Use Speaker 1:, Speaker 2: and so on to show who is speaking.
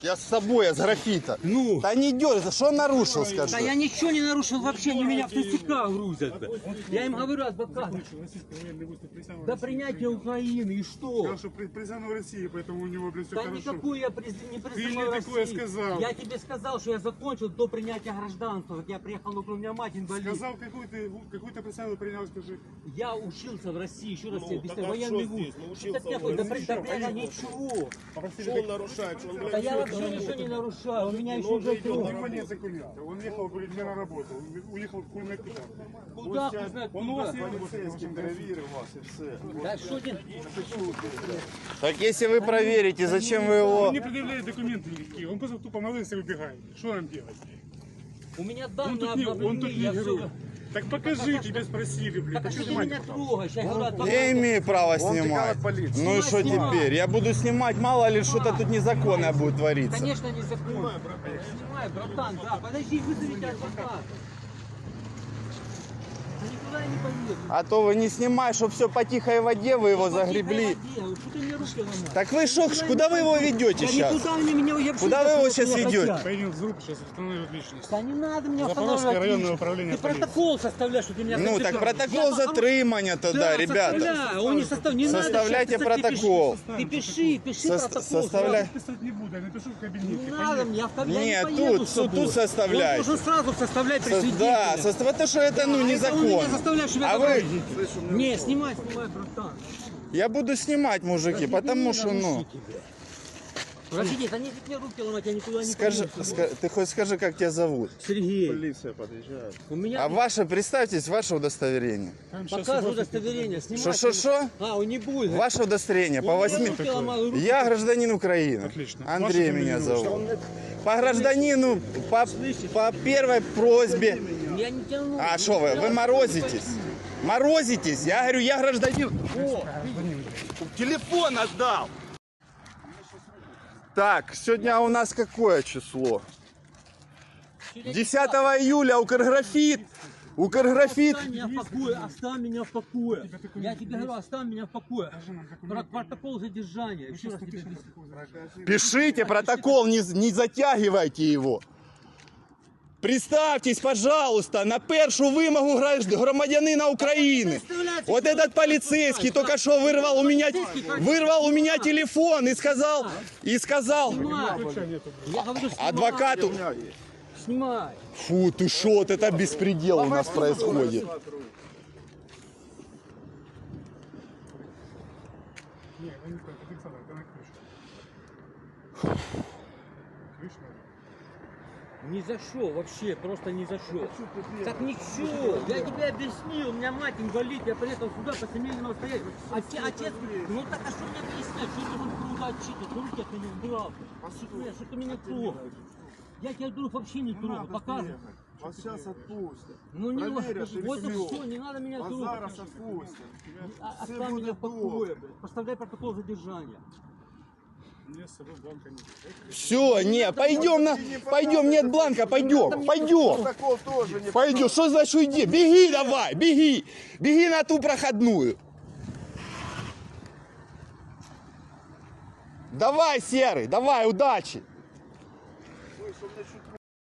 Speaker 1: Я с собой, я с графита.
Speaker 2: Ну?
Speaker 1: Да не дергайся, что он нарушил, скажи?
Speaker 2: Да я ничего не нарушил вообще, они меня в ТСК грузят. Я им говорю, адвокат, до принятия Украины, и что?
Speaker 3: Сказал, что признан в России, поэтому у него, блядь, все
Speaker 2: Да
Speaker 3: хорошо.
Speaker 2: никакую я не
Speaker 3: Ты
Speaker 2: признаю
Speaker 3: мне такое
Speaker 2: Россию.
Speaker 3: сказал.
Speaker 2: Я тебе сказал, что я закончил до принятия гражданства. Вот я приехал, у меня мать инвалид.
Speaker 3: Сказал, какую ты представил, принял, скажи.
Speaker 2: Я учился в России, еще раз тебе
Speaker 4: так
Speaker 2: объясняю,
Speaker 4: а
Speaker 2: военный
Speaker 4: что
Speaker 2: вуз.
Speaker 4: здесь? Ну, учился
Speaker 2: Что такое?
Speaker 4: в
Speaker 2: Да
Speaker 4: России.
Speaker 2: ничего.
Speaker 4: Что он нарушает? Что он,
Speaker 2: Да
Speaker 4: блядь,
Speaker 2: я вообще ничего не нарушаю, у меня еще уже
Speaker 3: У него нет документов. Он ехал, говорит, не на работу. Он уехал в Кульмекита.
Speaker 2: Куда знать,
Speaker 3: Он у вас
Speaker 2: куда?
Speaker 3: не работает.
Speaker 2: Да что ты?
Speaker 1: Так если вы проверите, зачем вы его...
Speaker 3: Он не предъявляет документы никакие. Он просто тупо молился и убегает. Что нам делать?
Speaker 2: У меня
Speaker 3: Он
Speaker 2: данные
Speaker 3: тут не
Speaker 2: обновлены, я
Speaker 3: герой.
Speaker 2: все...
Speaker 3: Так покажи, тебя спросили, блядь.
Speaker 2: Так а
Speaker 3: Почему
Speaker 2: что
Speaker 3: ты
Speaker 2: ты меня
Speaker 3: мать?
Speaker 2: трогаешь? Я говорю, адвокат.
Speaker 1: Я имею право снимать. Ну и что
Speaker 2: Снимай.
Speaker 1: теперь? Я буду снимать, мало ли что-то тут незаконное будет твориться.
Speaker 2: Конечно, незаконно. Снимай, братан, да. Подожди, вызовите адвоката. Да никуда я не поеду.
Speaker 1: А то вы не снимаете, чтобы все по тихой воде вы его загребли.
Speaker 2: Что ты мне руки ломаешь?
Speaker 1: Так вы что, куда вы его ведете
Speaker 2: Да
Speaker 1: сейчас?
Speaker 2: никуда они меня я
Speaker 1: Куда вы его сейчас ведете?
Speaker 3: Поедем в руку, сейчас установят личность.
Speaker 2: Да не надо меня
Speaker 3: Запорожское
Speaker 2: останавливать.
Speaker 3: районное управление
Speaker 2: Ты
Speaker 3: полиции.
Speaker 2: протокол составляешь, что ты меня
Speaker 1: Ну так
Speaker 2: задержал.
Speaker 1: протокол затримания тогда, ребята.
Speaker 2: Составляю. Он не состав... не надо
Speaker 1: Составляйте
Speaker 2: сейчас писать,
Speaker 1: протокол.
Speaker 2: Ты пиши протокол.
Speaker 1: Составляй.
Speaker 3: Писать не буду, я напишу в
Speaker 2: Не
Speaker 3: кабинете.
Speaker 2: надо мне, я
Speaker 1: Нет,
Speaker 2: не поеду
Speaker 1: тут,
Speaker 2: с тобой.
Speaker 1: тут составляйте.
Speaker 2: Он должен сразу составлять при свидетеле.
Speaker 1: Да, потому что это ну
Speaker 2: Он меня
Speaker 1: незаконно.
Speaker 2: заставляет, чтобы
Speaker 1: А
Speaker 2: я
Speaker 1: вы,
Speaker 2: Не, снимай, братан.
Speaker 1: я буду снимать, мужики, потому что ну.
Speaker 2: Подожди, да не мне руки ломать, я никуда не
Speaker 1: Скажи,
Speaker 2: поеду.
Speaker 1: ты хоть скажи, как тебя зовут?
Speaker 2: Сергей,
Speaker 4: Полиция подъезжает.
Speaker 2: у меня...
Speaker 1: А ваше, представьтесь, ваше удостоверение.
Speaker 2: Показывай удостоверение, снимай.
Speaker 1: Что?
Speaker 2: А, он не будет.
Speaker 1: Ваше удостоверение по
Speaker 2: Я
Speaker 1: 8.
Speaker 2: руки ломаю, руки.
Speaker 1: Я гражданин Украины.
Speaker 3: Отлично.
Speaker 1: Андрей
Speaker 3: Ваше
Speaker 1: меня
Speaker 3: фамилия,
Speaker 1: зовут. По гражданину, по первой просьбе.
Speaker 2: Я не тяну.
Speaker 1: А что вы морозитесь? Морозитесь? Я говорю, я гражданин. О, телефон отдал. Так, сегодня у нас какое число? 10 июля Укрграфит.
Speaker 2: Оставь меня в покое, оставь меня в покое. Я тебе говорю, оставь меня в покое. Протокол задержания. Еще раз тебе объясню.
Speaker 1: Пишите протокол, не затягивайте его. Представьтесь, пожалуйста, на першу вимогу громадянина України. Вот этот полицейский только что вырвал у меня телефон и сказал,
Speaker 2: Снимай. Я говорю, снимай.
Speaker 1: адвокату,
Speaker 2: Снимай.
Speaker 1: фу, ты шо, вот это беспредел у нас происходит.
Speaker 3: Не, я не знаю, это Александр, это на ключ. Ключ надо.
Speaker 2: Ни за что, вообще, просто ни за что. Так ничего, я тебе объяснил, у меня мать инвалид, я приехал сюда по семейному обстоятельству. Отец, ну так а что мне объяснять, что ты будешь труда отчитывать, руки от меня убрал. Что ты меня трогаешь? Я тебя вдруг вообще не трогаю, показывай.
Speaker 4: Вас сейчас отпустят.
Speaker 2: Ну не
Speaker 4: Проверят, или
Speaker 2: вот и
Speaker 4: всё.
Speaker 2: все, не надо меня
Speaker 4: Вас
Speaker 2: трогать.
Speaker 4: зараз отпустят. Все
Speaker 2: Оставь меня в
Speaker 4: будет
Speaker 2: покое,
Speaker 4: добре.
Speaker 2: блядь. Поставляй протокол задержания.
Speaker 3: У меня с собой бланка нет.
Speaker 1: Все, не, пойдем, нет бланка, пойдем.
Speaker 4: Протокол тоже не
Speaker 1: Пойдем, что значит уйди? Беги давай, беги на ту проходную. Давай, Серый, давай, удачи.